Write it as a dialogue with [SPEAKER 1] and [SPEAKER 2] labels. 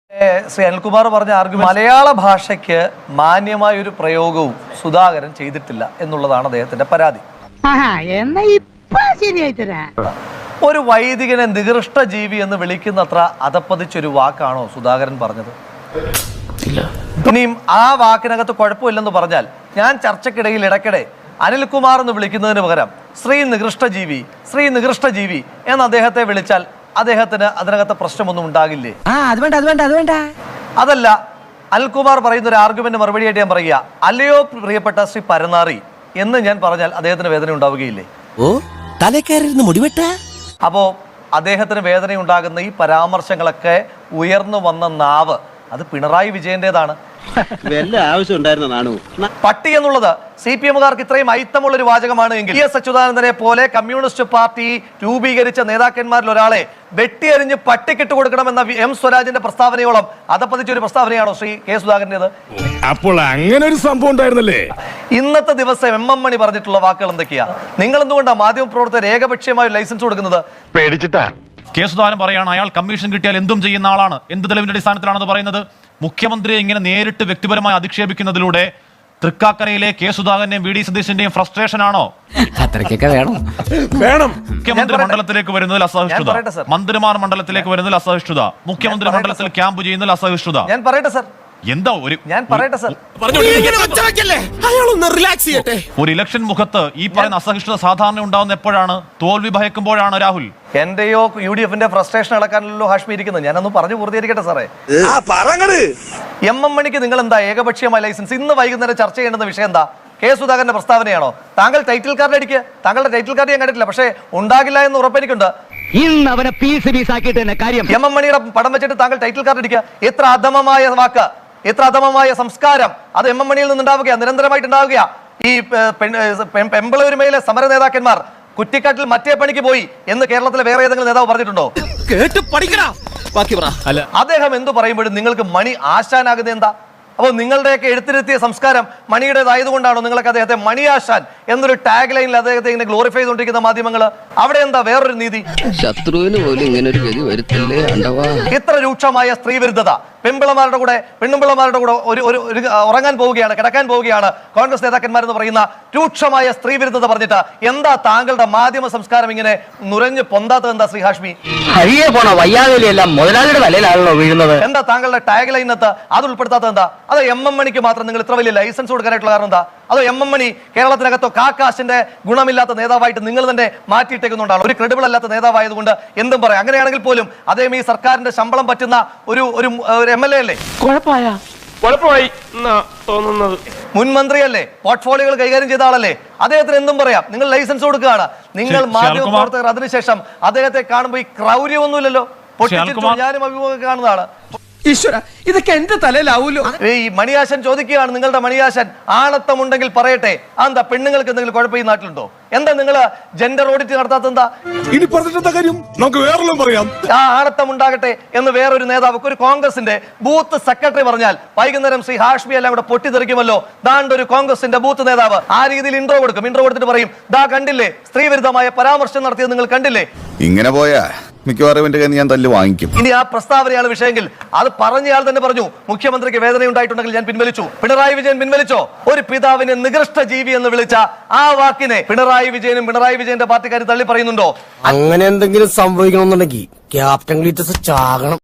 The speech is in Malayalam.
[SPEAKER 1] ശ്രീ അനിൽകുമാർ പറഞ്ഞ ആർഗ്യുമെന്റ് മലയാള ഭാഷയ്ക്ക് മാന്യമായ ഒരു പ്രയോഗവും സുധാകരൻ ചെയ്തിട്ടില്ല എന്നുള്ളതാണ് അദ്ദേഹത്തിന്റെ പരാതി. ഒരു വൈദികനെ നികൃഷ്ട ജീവി എന്ന് വിളിക്കുന്നത്ര അതപ്പതിച്ചൊരു വാക്കാണോ സുധാകരൻ പറഞ്ഞത്? ഇനിയും ആ വാക്കിനകത്ത് കുഴപ്പമില്ലെന്ന് പറഞ്ഞാൽ ഞാൻ ചർച്ചക്കിടയിൽ ഇടയ്ക്കിടെ അനിൽകുമാർ എന്ന് വിളിക്കുന്നതിന് പകരം ശ്രീ നികൃഷ്ട ജീവി എന്ന് അദ്ദേഹത്തെ വിളിച്ചാൽ അദ്ദേഹത്തിന് അതിനകത്ത് പ്രശ്നമൊന്നും ഉണ്ടാകില്ലേ? അതല്ല, അനിൽകുമാർ പറയുന്ന ഒരു ആർഗ്യുമെന്റ് മറുപടിയായിട്ട് ഞാൻ പറയുക, അല്ലയോ പ്രിയപ്പെട്ട ശ്രീ പരനാറി എന്ന് ഞാൻ പറഞ്ഞാൽ അദ്ദേഹത്തിന് വേദന ഉണ്ടാവുകയില്ലേ? അപ്പോ അദ്ദേഹത്തിന് വേദന ഉണ്ടാകുന്ന ഈ പരാമർശങ്ങളൊക്കെ ഉയർന്നു വന്ന നാവ് അത് പിണറായി വിജയന്റേതാണ്. പട്ടി എന്നുള്ളത് CPM-കാർക്ക് ഇത്രയും ഐത്തമുള്ള ഒരു വാചകമാണ് എങ്കിൽ എസ് അച്യുതാനന്ദനെ പോലെ കമ്മ്യൂണിസ്റ്റ് പാർട്ടി രൂപീകരിച്ച നേതാക്കന്മാരിൽ ഒരാളെ വെട്ടിയരിഞ്ഞ് പട്ടിക്കിട്ട് കൊടുക്കണമെന്ന M സ്വരാജിന്റെ പ്രസ്താവനയോളം അതപ്പതിച്ചൊരു പ്രസ്താവനയാണോ ശ്രീ കെ സുധാകരന്റേത്?
[SPEAKER 2] അപ്പോൾ അങ്ങനെ ഒരു സംഭവം ഉണ്ടായിരുന്നല്ലേ?
[SPEAKER 1] ഇന്നത്തെ ദിവസം MM മണി പറഞ്ഞിട്ടുള്ള വാക്കുകൾ എന്തൊക്കെയാ? നിങ്ങൾ എന്തുകൊണ്ടാണ് മാധ്യമപ്രവർത്തകർ ഏകപക്ഷീയമായ ലൈസൻസ് കൊടുക്കുന്നത്?
[SPEAKER 3] പേടിച്ചിട്ടാ. കെ സുധാകരൻ പറയാണ് അയാൾ കമ്മീഷൻ കിട്ടിയാൽ എന്തും ചെയ്യുന്ന ആളാണ്. എന്ത് തെളിവിന്റെ അടിസ്ഥാനത്തിലാണെന്ന് പറയുന്നത്? മുഖ്യമന്ത്രിയെ ഇങ്ങനെ നേരിട്ട് വ്യക്തിപരമായി അധിക്ഷേപിക്കുന്നതിലൂടെ തൃക്കാക്കരയിലെ കെ സുധാകരന്റെയും VD സതീശന്റെയും ഫ്രസ്ട്രേഷൻ ആണോ? മുഖ്യമന്ത്രി മണ്ഡലത്തിലേക്ക് വരുന്നതിൽ അസഹിഷ്ണുത, മന്ത്രിമാർ മണ്ഡലത്തിലേക്ക് വരുന്നതിൽ അസഹിഷ്ണുത, മുഖ്യമന്ത്രി മണ്ഡലത്തിൽ ക്യാമ്പ് ചെയ്യുന്നതിൽ അസഹിഷ്ണുത.
[SPEAKER 1] ഞാൻ പറയട്ടെ സർ,
[SPEAKER 3] എന്താ ഒരു ഇലക്ഷൻ മുഖത്ത് ഈ പറയുന്ന അസഹിഷ്ണുത സാധാരണ ഉണ്ടാവുന്ന എപ്പോഴാണ്? തോൽവി ഭയക്കുമ്പോഴാണ് രാഹുൽ.
[SPEAKER 1] എന്റെയോ UDF-ന്റെ ഫ്രസ്ട്രേഷൻ അടക്കാനല്ലോ ഹാഷ്മി ഇരിക്കുന്നത്. ഞാനൊന്ന് പറഞ്ഞു പൂർത്തീകരിക്കട്ടെ സാറേ. MM മണിക്ക് നിങ്ങൾ എന്താ ഏകപക്ഷീയമായ ലൈസൻസ്? ഇന്ന് വൈകുന്നേരം ചർച്ച ചെയ്യേണ്ടുന്ന വിഷയം എന്താ? കെ സുധാകരന്റെ പ്രസ്താവനയാണോ? താങ്കൾ ടൈറ്റിൽ കാർഡ് അടിക്കുക. താങ്കളുടെ ടൈറ്റിൽ കാർഡ് ഞാൻ കണ്ടിട്ടില്ല, പക്ഷേ ഉണ്ടാകില്ല എന്ന് ഉറപ്പെനിക്കുണ്ട്. MM മണിയുടെ പടം വെച്ചിട്ട് താങ്കൾ ടൈറ്റിൽ കാർഡ് അടിക്കുക. എത്ര അധമമായ വാക്ക്, എത്ര അധമമായ സംസ്കാരം അത് MM മണിയിൽ നിന്നുണ്ടാവുക, നിരന്തരമായിട്ട് ഉണ്ടാവുക. ഈ പെമ്പിളൂരുമയിലെ സമര നേതാക്കന്മാർ കുറ്റിക്കാട്ടിൽ മറ്റേ പണിക്ക് പോയി എന്ന് കേരളത്തിലെ വേറെ ഏതെങ്കിലും നേതാവ് പറഞ്ഞിട്ടുണ്ടോ? അദ്ദേഹം എന്തു പറയുമ്പോഴും നിങ്ങൾക്ക് മണി ആശാനാകുന്നത് എന്താ? അപ്പോൾ നിങ്ങളുടെയൊക്കെ എഴുത്തിരുത്തിയ സംസ്കാരം മണിയുടേതായതുകൊണ്ടാണോ നിങ്ങളൊക്കെ അദ്ദേഹത്തെ മണിയാശാൻ എന്നൊരു ടാഗ് ലൈനിൽ അദ്ദേഹത്തെ ഇങ്ങനെ ഗ്ലോറിഫൈ ചെയ്തുകൊണ്ടിരിക്കുന്ന മാധ്യമങ്ങൾ? അവിടെ എന്താ വേറൊരു നീതി?
[SPEAKER 4] ശത്രുവിന് പോലും ഇങ്ങനെ ഒരു ഗതി വരുത്തില്ലേ?
[SPEAKER 1] ഇത്ര രൂക്ഷമായ സ്ത്രീ വിരുദ്ധത, പെൺപിള്ളമാരുടെ കൂടെ ഒരു ഉറങ്ങാൻ പോവുകയാണ്, കിടക്കാൻ പോവുകയാണ് കോൺഗ്രസ് നേതാക്കന്മാരെന്ന് പറയുന്ന രൂക്ഷമായ സ്ത്രീ വിരുദ്ധത പറഞ്ഞിട്ട് എന്താ താങ്കളുടെ മാധ്യമ സംസ്കാരം ഇങ്ങനെ നുരഞ്ഞു പൊന്താത്തത്? എന്താ ശ്രീ ഹാഷ്മി? എന്താ താങ്കളുടെ ടാഗ് ലൈനകത്ത് അത് ഉൾപ്പെടുത്താത്തത്? എന്താ? അതോ MM മണിക്ക് മാത്രം നിങ്ങൾ ഇത്ര വലിയ ലൈസൻസ് കൊടുക്കാനായിട്ടുള്ള കാരണം എന്താ? അതോ MM മണി കേരളത്തിനകത്തോ കാക്കാശിന്റെ ഗുണമില്ലാത്ത നേതാവായിട്ട് നിങ്ങൾ തന്നെ മാറ്റിയിട്ടേക്കുന്നുണ്ടാണ്? ഒരു ക്രെഡിബിൾ അല്ലാത്ത നേതാവായതുകൊണ്ട് എന്തും പറയാം. അങ്ങനെയാണെങ്കിൽ പോലും അദ്ദേഹം ഈ സർക്കാരിന്റെ ശമ്പളം പറ്റുന്ന ഒരു MLA അല്ലേ? മുൻമന്ത്രിയല്ലേ? പോർട്ട്ഫോളിയോകൾ കൈകാര്യം ചെയ്ത ആളല്ലേ? അദ്ദേഹത്തിന് എന്തും പറയാം. നിങ്ങൾ ലൈസൻസ് കൊടുക്കുകയാണ്. നിങ്ങൾ മാധ്യമപ്രവർത്തകർ അതിനുശേഷം അദ്ദേഹത്തെ കാണുമ്പോൾ ഈ ക്രൗര്യമൊന്നുമില്ലല്ലോ. ഞാനും അഭിമുഖം കാണുന്നതാണ്.
[SPEAKER 5] ഈശ്വര, ഇതൊക്കെ എന്റെ തലയിലാവൂലോ.
[SPEAKER 1] ഈ മണിയാശൻ ചോദിക്കുകയാണ്, നിങ്ങളുടെ മണിയാശൻ ആണത്തമുണ്ടെങ്കിൽ പറയട്ടെ. എന്താ പെണ്ണുങ്ങൾക്ക് എന്തെങ്കിലും കുഴപ്പം ഈ നാട്ടിലുണ്ടോ? എന്താ നിങ്ങൾ ജെൻഡർ ഓഡിറ്റ് നടത്താത്തെന്താ?
[SPEAKER 2] ഇനി പറഞ്ഞിട്ടെന്താ കാര്യം? നമുക്ക് വേറെല്ലാം പറയാം.
[SPEAKER 1] ആ ആണത്തം ഉണ്ടാകട്ടെ എന്ന് വേറൊരു നേതാവ്, ഒരു കോൺഗ്രസിന്റെ ബൂത്ത് സെക്രട്ടറി പറഞ്ഞാൽ വൈകുന്നേരം ശ്രീ ഹാഷ്മി എല്ലാം കൂടെ പൊട്ടിത്തെറിക്കുമല്ലോ. ദാണ്ട് ഒരു കോൺഗ്രസിന്റെ ബൂത്ത് നേതാവ് ആ രീതിയിൽ ഇൻട്രോ കൊടുത്തിട്ട് പറയും, ദാ കണ്ടില്ലേ സ്ത്രീ വിരുദ്ധമായ പരാമർശം നടത്തിയത് നിങ്ങൾ കണ്ടില്ലേ?
[SPEAKER 6] ഇങ്ങനെ പോയാ മിക്കവാറും ഞാൻ തല്ല് വാങ്ങിക്കും.
[SPEAKER 1] ഇനി ആ പ്രസ്താവനയാണ് വിഷയമെങ്കിൽ അത് പറഞ്ഞയാൾ തന്നെ പറഞ്ഞു, മുഖ്യമന്ത്രിക്ക് വേദന ഉണ്ടായിട്ടുണ്ടെങ്കിൽ ഞാൻ പിൻവലിച്ചു. പിണറായി വിജയൻ പിൻവലിച്ചോ? ഒരു പിതാവിനെ നികൃഷ്ട ജീവി എന്ന് വിളിച്ച ആ വാക്കിനെ പിണറായി വിജയനും പിണറായി വിജയന്റെ പാർട്ടിക്കാർ തള്ളി പറയുന്നുണ്ടോ?
[SPEAKER 5] അങ്ങനെ എന്തെങ്കിലും സംഭവിക്കണമെന്നുണ്ടെങ്കിൽ ക്യാപ്റ്റൻ ഗ്ലീറ്റസ് ചാകണം.